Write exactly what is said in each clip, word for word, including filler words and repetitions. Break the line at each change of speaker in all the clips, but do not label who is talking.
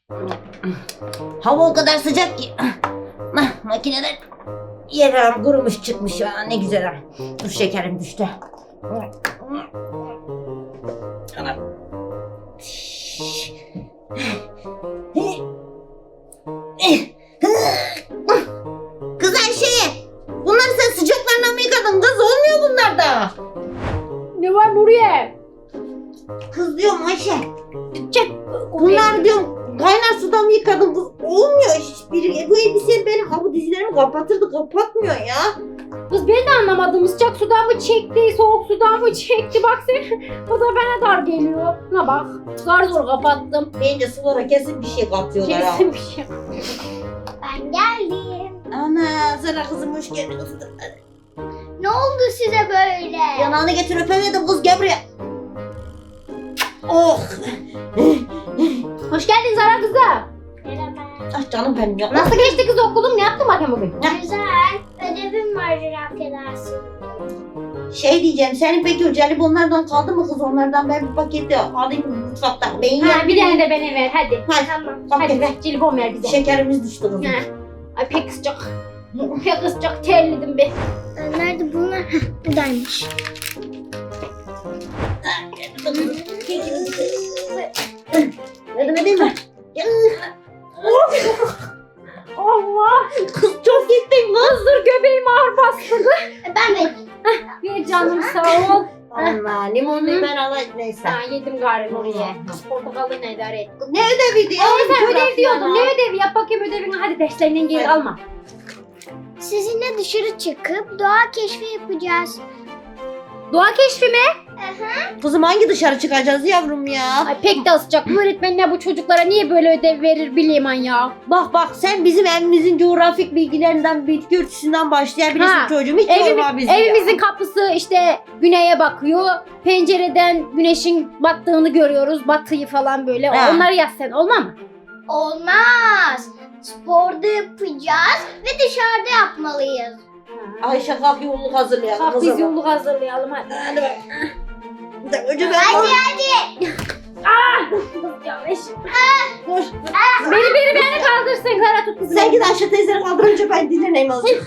Hava o kadar sıcak ki. Makineden yerim kurumuş çıkmış ya. Ne güzel ha. Dur şekerim düştü. Kız Ayşe, bunları sen sıcaklarına mı yıkadın kız? Olmuyor bunlar da.
Ne var Nuriye?
Kız diyorum Ayşe,
Çek.
bunlar diyorum kaynar sudan mı yıkadın kız? Olmuyor hiçbiri. Bu elbise benim ha bu dizilerimi kapatırdı, kapatmıyor ya.
Kız ben de anlamadım. Sıcak sudan mı çekti, soğuk sudan mı çekti? Bak sen. O da bana dar geliyor. Ha bak. Zar zor kapattım.
Bence sulara kesin bir şey katıyorlar ha.
Kesin bir şey.
Ben geldim.
Ana Zara kızım hoş geldin kızım.
Ne oldu size böyle?
Yanağını getir öpemedim kız gel buraya. Oh.
Hoş geldin Zara kızı.
Merhaba.
Ah canım benim ya.
Nasıl geçti kız okulun? Ne yaptın bakayım bugün?
Güzel. Ödevim var affedersin.
Şey diyeceğim, senin peki o jelibonlardan kaldı mı kız? Onlardan ben bir paketi alayım mutfaktan. Ben
Ha, bir
yerim.
tane de bana ver hadi.
Hadi.
Tamam.
Bak
Hadi
hadi.
ver. Jelibon ver bize.
Şekerimiz düştü kızım.
Ha. Ay pek sıcak. Pek sıcak terledim be.
Nerede bunlar? Heh, buradaymış.
Yardım edeyim mi?
Allah.
Kız çok gittin kız.
Kız dur göbeğim ağır bastı.
Ben de.
Ver canım sağ ol.
Allah limonluyu ben alayım neyse.
Ha yedim galiba oraya. Portakallı ne idare et.
Ne ödeviydi ya?
Ama sen ödev
Coğrafya
diyordun.
ya.
Ne ödevi? Yap bakayım ödevini. Hadi derslerinden geri
Hadi.
alma.
Sizinle dışarı çıkıp doğa keşfi yapacağız.
Doğa keşfi mi?
Kızım hangi dışarı çıkacağız yavrum ya?
Ay pek de sıcak. Bu öğretmenler bu çocuklara niye böyle ödev verir bileyim ya.
Bak bak sen bizim evimizin coğrafik bilgilerinden, bitki örtüsünden başlayabilirsin
Ha,
çocuğum. Hiç
Evimi-
yorma bizi
evimizin
ya.
kapısı işte güneye bakıyor. Pencereden güneşin battığını görüyoruz. Batıyı falan böyle.
Ha.
Onları yaz sen. Olmaz mı?
Olmaz. Sporda yapacağız ve dışarıda yapmalıyız.
Ayşe kalk yolluk hazırlayalım.
Bak
kızım.
biz yolluk hazırlayalım hadi.
Hadi bak. Önce ben
Hadi
koş.
hadi.
Yanlış.
Koş.
Beni beni beni kaldırsın. Zara tut kızım.
Sen git Ayşe teyzeni kaldır önce ben dinleneyim azıcık.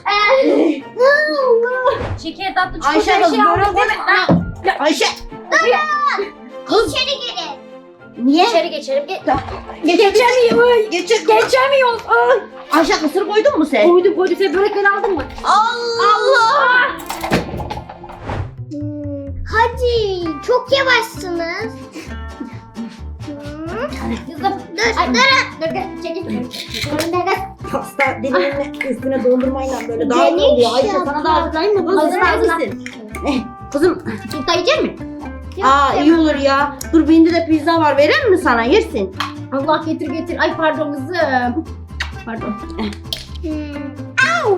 Şeker tatlı çikolata
Ayşe
her
kız
şey
böyle
aldım.
koy. Ayşe. Kız.
İçeri girin.
Niye?
İçeri geçelim. Ge
Geçer.
Geçemiyor.
Geçer.
Geçemiyoruz. Ay.
Ayşe kısır koydun mu sen?
Koydum koydum. Sen börekleri aldın mı?
Allah.
Hmm, hadi. Çok yavaşsınız. Hmm.
Kızım.
Dur,
Ay,
dur.
dur dur. Çekil. Önüne gel.
Pasta dilimini üstüne dondurmayla böyle daha iyi
Geniş
oluyor. Ayşe
yapma.
sana da hazırlayayım mı kız?
Hazır,
İster
hazır.
misin? Eh, kızım.
Yumurta yiyecek misin?
Aa iyi olur ya. Dur bende de pizza var. Verir mi sana? Yersin.
Allah getir getir. Ay pardon kızım. Pardon.
Hmm. Au.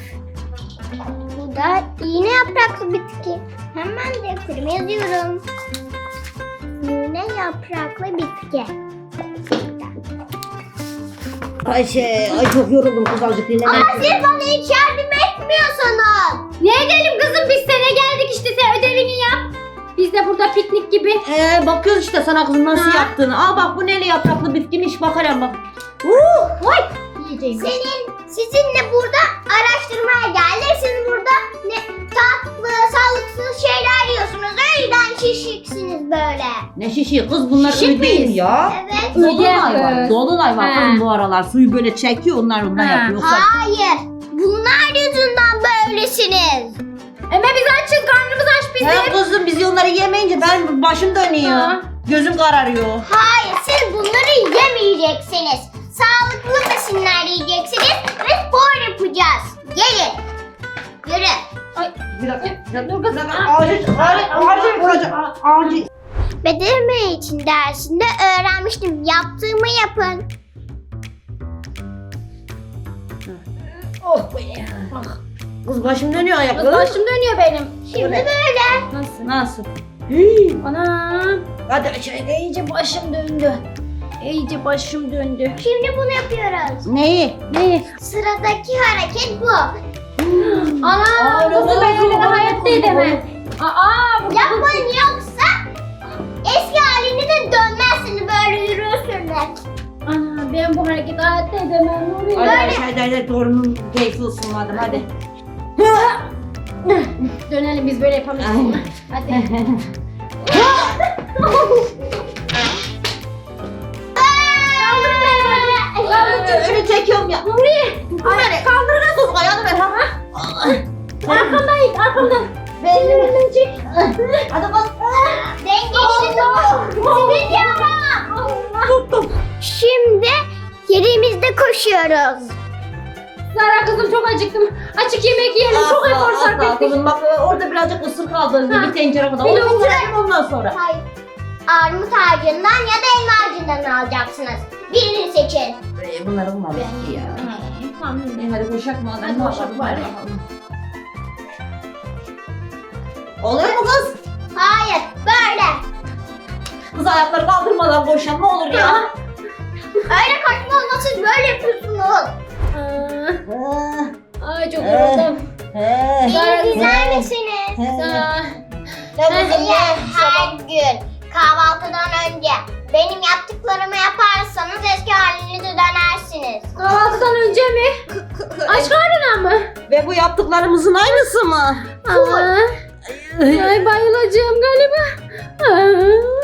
Bu da iğne yapraklı bitki. Hemen de okuruma yazıyorum. İğne yapraklı bitki.
Ayşe, ay çok yoruldum kız azıcık dinlemek.
Ama siz bana hiç yardım etmiyorsunuz.
Ne edelim kızım biz sana geldik işte sen ödevini yap. Biz de burada piknik gibi.
Ee, bakıyoruz işte sana kızım nasıl
Ha.
yaptığını. Aa bak bu neli yapraklı bitkiymiş bakalım bak. Uh,
Oy. Yiyeceğim.
Senin, sizinle burada araştırmaya geldik. Siz burada ne tatlı, sağlıksız şeyler yiyorsunuz. O yüzden şişiksiniz böyle.
ne şişi kız bunlar
Şişik
öyle değil
miyiz?
ya.
Evet.
Dolunay var.
Evet.
Dolunay var
Ha.
kızım bu aralar. Suyu böyle çekiyor onlar ondan
Ha.
yapıyor. Yoksa-
Hayır. Bunlar yüzünden böylesiniz.
Ama biz açız karnımız aç bizim.
He kızım biz onları yemeyince ben başım dönüyor.
Ha.
Gözüm kararıyor.
Hayır, siz bunları yemeyeceksiniz. Sağlıklı besinler yiyeceksiniz ve spor yapacağız. Gelin. Yürü.
Bir dakika.
Dur kızım.
Acil, acil, acil, acil, acil.
Beden eğitim dersinde öğrenmiştim. Yaptığımı yapın.
Oh be. Ah.
Kız başım dönüyor
Kız
ayakları.
başım dönüyor benim.
Şimdi böyle.
Nasıl?
Nasıl? Hii.
Anam.
Hadi aşağıya.
İyice başım döndü. İyice başım döndü.
Şimdi bunu yapıyoruz.
Neyi?
Ne?
Sıradaki hareket bu.
Anam.
Aa,
Kızım
ne
ben öyle de
oldu?
hayatta edemem. Aa. bu-
Yapın yoksa eski haline de dönmezsiniz. Böyle yürürsünüz.
Ana ben hareket hayatta edemem Nuri.
Hadi aşağıda hadi torunun keyfi olsun madem hadi.
Dönelim biz böyle yapamayacağız.
Ay.
bunu. Hadi.
Öyle çekiyorum ya.
Nuri.
Ay kaldırın kız ayağını ver ha.
Arkamdayım arkamda.
Ben
Elimden çek.
hadi bak.
Dengeli gidiyorum.
Tuttum.
Şimdi yerimizde koşuyoruz.
Zara kızım çok acıktım. Açık yemek yiyelim. Çok efor sarf ettik.
Kızım bak orada birazcık ısır kaldı.
Ha.
Bir tencere kadar.
Bir
Onu
lokma.
bitirelim ondan sonra.
Hayır. Armut ağacından ya da elma ağacından alacaksınız. Birini seçin.
Ee, bunları bulmadık ki ya.
Tamam.
E, hadi koşak madem.
Hadi
ne
koşak
yapalım,
bari.
hadi bakalım. Oluyor mu kız?
Hayır, böyle.
Kız ayakları kaldırmadan koşan ne olur ya.
Öyle koşma olmaz, siz böyle yapıyorsunuz.
Aa, Ay çok yoruldum.
He.
Beni dinler misiniz?
Aa,
Eğer her gün kahvaltıdan önce benim yaptıklarımı yaparsanız eski halinize dönersiniz.
Kahvaltıdan önce mi? Aç karnına mı?
Ve bu yaptıklarımızın aynısı mı?
Aa, ay bayılacağım galiba. Aa.